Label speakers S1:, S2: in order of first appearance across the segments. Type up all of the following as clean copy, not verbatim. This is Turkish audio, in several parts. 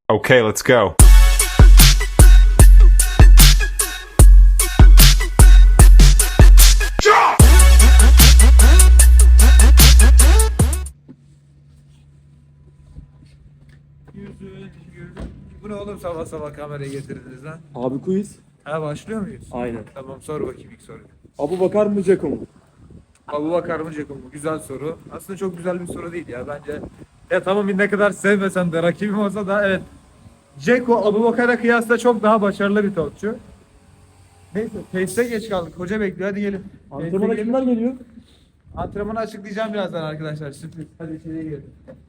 S1: Okay, let's go.
S2: Bu ne oğlum, sabah sabah kamerayı getirdiniz lan?
S3: Abi quiz.
S2: Ha, başlıyor muyuz?
S3: Aynen.
S2: Tamam, sor bakayım ilk soruyu.
S3: Abubakar mı Ceko mu?
S2: Abubakar mı Ceko mu? Güzel soru. Aslında çok güzel bir soru değil ya bence. Ya tamam, ne kadar sevmesem de, rakibim olsa da evet. Ceko Abubakar'a kıyasla çok daha başarılı bir topçu. Neyse, teste geç kaldık. Hoca bekliyor, hadi gelin.
S3: Antrenmana
S2: Teste
S3: kimler
S2: gelin.
S3: geliyor?
S2: Antrenmanı açıklayacağım birazdan arkadaşlar. Sürpriz. Hadi içeriye girelim.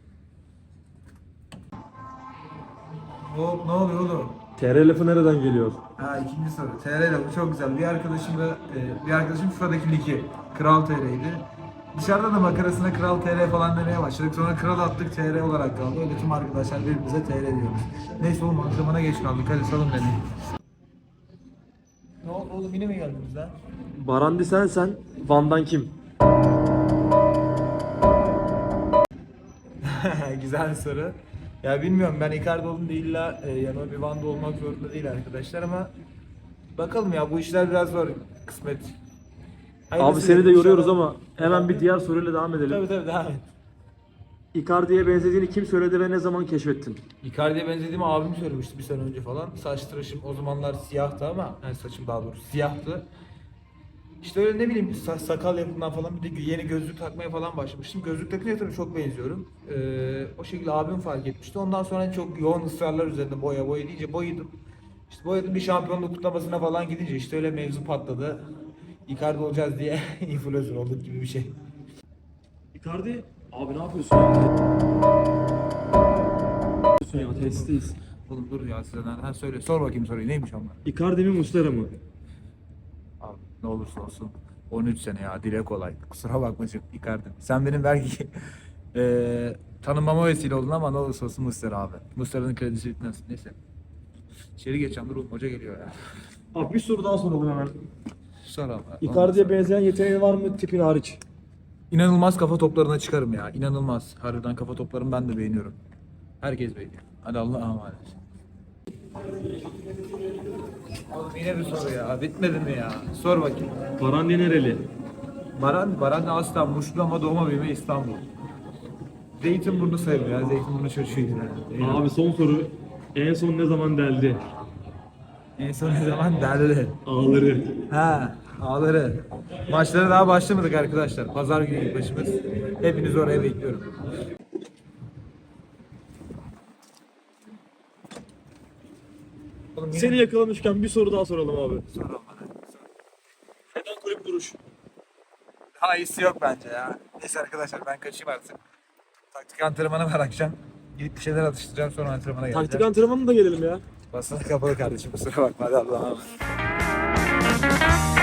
S2: Hop, ne oluyor oğlum?
S3: TR lafı nereden geliyor?
S2: Ha, ikinci soru. TR ile bu çok güzel. Bir arkadaşım şuradaki ligi Kral TR'ydi. Dışarıda da makarasına Kral TR falan demeye başladık. Sonra Kral attık, TR olarak kaldı. Öyle tüm arkadaşlar birbirimize TR diyoruz. Neyse oğlum, antrenmana geç kaldık. Hadi salın beni. Ne oldu oğlum, yine mi geldiniz lan?
S3: Barandi sen, Van'dan kim?
S2: Güzel bir soru. Ya bilmiyorum, ben Icardi oldum değil, illa yanıma bir Van'da olmak zorunda değil arkadaşlar, ama bakalım ya, bu işler biraz zor, kısmet.
S3: Abi
S2: Hayırlısı
S3: seni de
S2: diyelim,
S3: yoruyoruz
S2: inşallah.
S3: ama hemen bir diğer soruyla devam edelim.
S2: Tabii devam et.
S3: Icardi'ye benzediğini kim söyledi ve ne zaman keşfettin?
S2: Icardi'ye benzediğimi abim söylemişti bir sene önce falan. Saç tıraşım o zamanlar siyahtı, ama yani saçım daha doğrusu siyahtı. İşte öyle, ne bileyim, sakal yapımından falan, bir de yeni gözlük takmaya falan başlamıştım. Gözlük takınca tabii çok benziyorum. O şekilde abim fark etmişti. Ondan sonra çok yoğun ısrarlar üzerinde boya deyince boyadım. İşte boyadım, bir şampiyonluk kutlamasına falan gidince işte öyle mevzu patladı. Icardi olacağız diye influencer olduk gibi bir şey.
S3: Icardi, abi ne yapıyorsun ya? Ya testiz.
S2: Oğlum dur ya, sizden. Ha, söyle, sor bakayım soruyu, neymiş onlar?
S3: Icardi mi Muslera mı?
S2: Abi ne olursa olsun 13 sene ya, dile kolay. Kusura bakma çok Icardi. Sen benim belki tanınmama vesile oldun, ama ne olursa olsun Muslera abi. Muslera'nın kredisi bitmez. Neyse. İçeri geçeceğim, dur oğlum, hoca geliyor ya.
S3: Abi bir soru daha soralım hemen.
S2: Sor abi.
S3: Icardi'ye benzeyen yeteneğin var mı tipin hariç?
S2: İnanılmaz kafa toplarına çıkarım ya. İnanılmaz. Harbiden kafa toplarını ben de beğeniyorum. Herkes beğeniyor. Hadi Allah'a emanet. Oğlum yine bir soru ya. Bitmedi mi ya? Sor bakayım.
S3: Barandi nereli?
S2: Baran aslan Muşlu ama doğma büyüme İstanbul. Zeytinburnu sayılır ya. Zeytinburnu çocuğuydu yani.
S3: Abi son soru. En son ne zaman deldi?
S2: En son ne zaman derdi?
S3: Ağları.
S2: Ha, ağları. Maçlara daha başlamadık arkadaşlar. Pazar günü ilk başımız. Hepinizi oraya bekliyorum. Oğlum yine-
S3: Seni yakalamışken bir soru daha soralım abi.
S2: Sor oğlum bana.
S3: Neden kulüp duruş?
S2: Daha iyisi yok bence ya. Neyse arkadaşlar, ben kaçayım artık. Taktik antrenmanı var akşam. Gidip bir şeyler atıştıracağım, sonra antrenmana geleceğim.
S3: Taktik antrenmanı da gelelim ya.
S2: Basına kapalı kardeşim, kusura bakma. Hadi Allah'a emanet.